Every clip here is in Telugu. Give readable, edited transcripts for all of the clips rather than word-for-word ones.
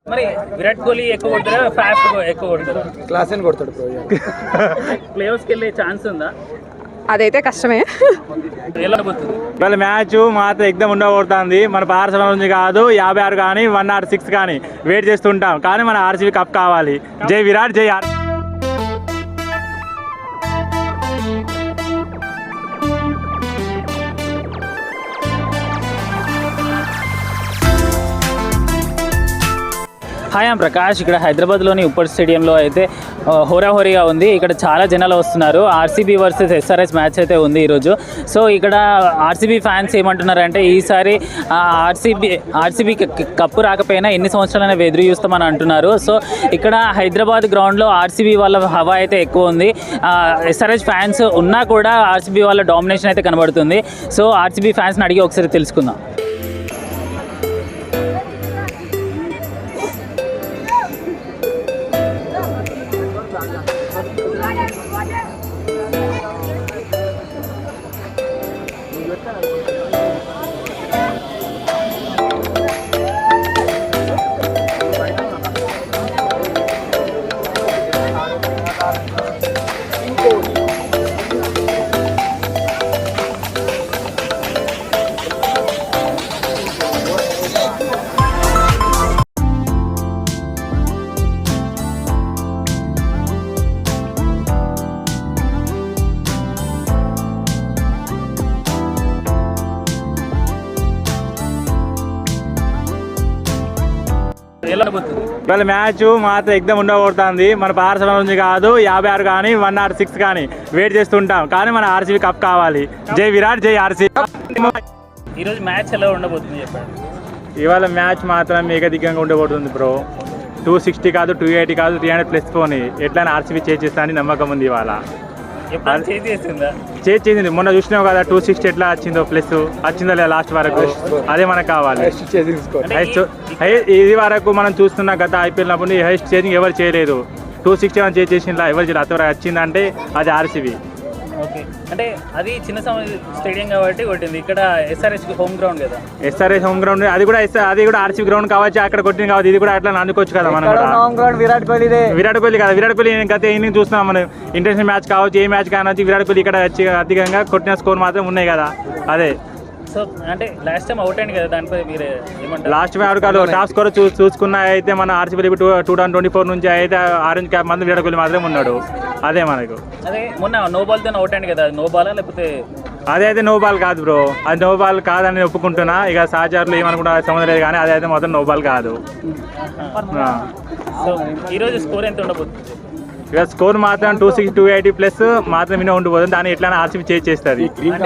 మరి విరాట్ కోహ్లీ ఎక్కువ కొడతారా ఫాస్ట్ ఎక్కువ కొడతారా? క్లాస్ అని కొడతాడు బ్రో. ప్లే ఆఫ్స్కి వెళ్ళే ఛాన్స్ ఉందా? అదైతే కష్టమే. ఎలా పోతుంది వాళ్ళ మ్యాచ్ మాత్రం ఎగ్దమ్ ఉండబోతుంది. మన పార్సల్ నుంచి కాదు 56 కానీ 106 కానీ వెయిట్ చేస్తుంటాం. కానీ మన ఆర్సీబీ కప్ కావాలి. జై విరాట్, జై ఆర్. Hi I'm Prakash. ఇక్కడ హైదరాబాద్లోని ఉప్పల్ స్టేడియంలో అయితే హోరాహోరీగా ఉంది. ఇక్కడ చాలా జనాలు వస్తున్నారు. ఆర్సీబీ వర్సెస్ ఎస్ఆర్ఎస్ మ్యాచ్ అయితే ఉంది ఈరోజు. సో ఇక్కడ ఆర్సీబీ ఫ్యాన్స్ ఏమంటున్నారంటే ఈసారి ఆర్సీబీ కప్పు రాకపోయినా ఎన్ని సంవత్సరాలైనా ఎదురు చూస్తామని అంటున్నారు. సో ఇక్కడ హైదరాబాద్ గ్రౌండ్లో ఆర్సీబీ వాళ్ళ హవా అయితే ఎక్కువ ఉంది. ఎస్ఆర్ఎస్ ఫ్యాన్స్ ఉన్నా కూడా ఆర్సీబీ వాళ్ళ డామినేషన్ అయితే కనబడుతుంది. సో ఆర్సీబీ ఫ్యాన్స్ని అడిగి ఒకసారి తెలుసుకుందాం. వాళ్ళ మ్యాచ్ మాత్రం ఎగ్దమ్ ఉండబోతుంది. మన పార్సల్ నుంచి కాదు 56 కానీ 106 కానీ వెయిట్ చేస్తుంటాం. కానీ మన ఆర్సీబీ కప్ కావాలి. జై విరాట్, జై ఆర్సీబీ. ఈరోజు మ్యాచ్ ఎలా ఉండబోతుంది చెప్పండి. ఇవాళ మ్యాచ్ మాత్రం ఏకదిగ్గంగా ఉండబోతుంది బ్రో. 260 కాదు, 280 కాదు, 300+ పోనీ ఎట్లయినా ఆర్సీబీ చేస్తా అని నమ్మకం ఉంది. ఇవాళ చేసింది. మొన్న చూసినావు కదా 260 ఎట్లా వచ్చిందో, ప్లస్ వచ్చిందో లేదా లాస్ట్ వరకు. అదే మనకు కావాలి. ఇది వరకు మనం చూస్తున్న గత ఐపీఎల్ నప్పుడు హైయెస్ట్ చేసింగ్ ఎవరు చేయలేదు. 261 చేసిన ఎవరు చేయలేదు. అతను వచ్చిందంటే అది ఆర్సీబీ. ఓకే, అంటే అది చిన్న స్టేడియం కాబట్టి కొట్టింది. ఇక్కడ ఎస్ఆర్ఎస్ హోమ్ గ్రౌండ్ కదా. ఎస్ఆర్ఎస్ హోమ్ గ్రౌండ్, అది కూడా ఆర్సీబీ గ్రౌండ్ కావచ్చు. అక్కడ కొట్టింది కావచ్చు. ఇది కూడా అట్లా అందుకోవచ్చు కదా. మనం విరాట్ కోహ్లీ కదా. విరాట్ కోహ్లీ గత ఇన్నింగ్ చూస్తున్నాం మనం. ఇంటర్నేషనల్ మ్యాచ్ కావచ్చు, ఏ మ్యాచ్ కావచ్చు, విరాట్ కోహ్లీ ఇక్కడ అధికంగా కొట్టిన స్కోర్ మాత్రం ఉన్నాయి కదా. అదే సో అంటే లాస్ట్ టైం అవుట్ అయింది కదా, దానిపై మీరు ఏమంటారు? లాస్ట్ టైం కాదు, టాప్ స్కోర్ చూసుకున్న అయితే మన ఆర్సీబీ 2024 నుంచి అయితే ఆరెంజ్ క్యాప్ మంది విరాట్ కోహ్లీ మాత్రమే ఉన్నాడు. అదే మనకు అదే మొన్న నో బాల్తో అవుట్ అయింది కదా, నో బాలా లేకపోతే? అదే అయితే నో బాల్ కాదు బ్రో. అది నో బాల్ కాదని ఒప్పుకుంటున్నా. ఇక సహచరులు ఏమనుకుంటా సంబంధం లేదు, కానీ అదైతే మొత్తం నో బాల్ కాదు. సో ఈరోజు స్కోర్ ఎంత ఉండబోతుంది? ఇక స్కోర్ మాత్రం 260, 280+ మాత్రం వినే ఉండిపోతుంది. దాన్ని ఎట్లా ఆర్సీబీ చేస్తుంది.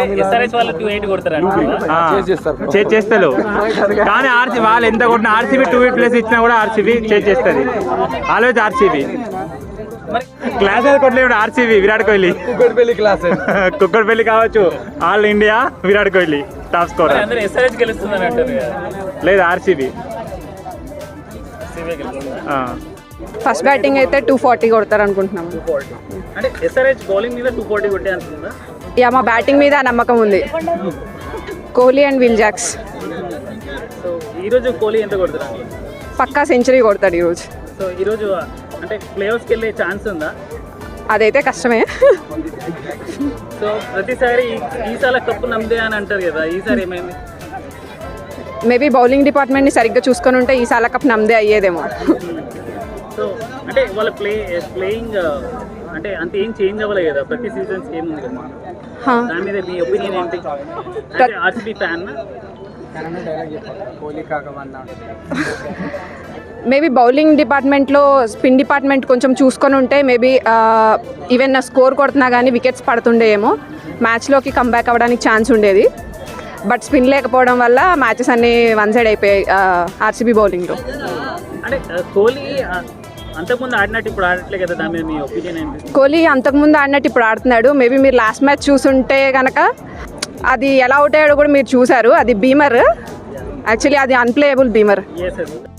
చేస్తారు. కానీ ఆర్సీబీ వాళ్ళు ఎంత కొట్టిన ఆర్సీబీ 280+ ఇచ్చినా కూడా ఆర్సీబీ చేస్తుంది. Always RCB. క్లాస్ కొట్టలేదు ఆర్సీబీ. విరాట్ కోహ్లీ కుక్కడపల్లి కావచ్చు, all India Virat Kohli top score. లేదు ఆర్సీబీ. ఫస్ట్ బ్యాటింగ్ అయితే 240 కొడతారు అనుకుంటున్నాము. యా, మా బ్యాటింగ్ మీద నమ్మకం ఉంది. Kohli and Will Jacks. ఈరోజు కోహ్లీ ఎంత కొడతారు? పక్కా సెంచరీ కొడతాడు ఈరోజు. సో ఈరోజు అంటే ప్లే ఆఫ్స్కి వెళ్ళే ఛాన్స్ ఉందా? అదైతే కష్టమే. సో ప్రతిసారి ఈసారి కప్పు నమ్మదే అని అంటారు కదా, ఈసారి ఏమైంది? మేబీ బౌలింగ్ డిపార్ట్మెంట్ని సరిగ్గా చూసుకొని ఉంటే ఈసారి కప్ నమ్మదే అయ్యేదేమో. సో అంటే వాళ్ళ ప్లేయింగ్ అంటే అంత ఏం చేంజ్ అవ్వలేదు కదా, ప్రతి సీజన్స్ ఏముంది కదా. దాని మీద మీ ఒపీనియన్ ఏంటి? RCB fan. మేబీ బౌలింగ్ డిపార్ట్మెంట్లో స్పిన్ డిపార్ట్మెంట్ కొంచెం చూసుకొని ఉంటే మేబీ ఈవెన్ స్కోర్ కొడుతున్నా కానీ వికెట్స్ పడుతుండేమో, మ్యాచ్లోకి కంబ్యాక్ అవ్వడానికి ఛాన్స్ ఉండేది. బట్ స్పిన్ లేకపోవడం వల్ల మ్యాచెస్ అన్నీ వన్ సైడ్ అయిపోయాయి ఆర్సీబీ బౌలింగ్లో. అంటే కోహ్లీ అంతకుముందు ఆడినట్టు ఇప్పుడు ఆడట్లే కదా, దాని మీద మీ ఒపీనియన్ ఏంటి? కోహ్లీ అంతకుముందు ఆడినట్టు ఇప్పుడు ఆడుతున్నాడు. మేబీ మీరు లాస్ట్ మ్యాచ్ చూసుంటే కనుక అది ఎలా అవుట్ అయ్యాడో కూడా మీరు చూసారు. అది బీమర్, యాక్చువల్లీ అది అన్ప్లేయబుల్ బీమర్.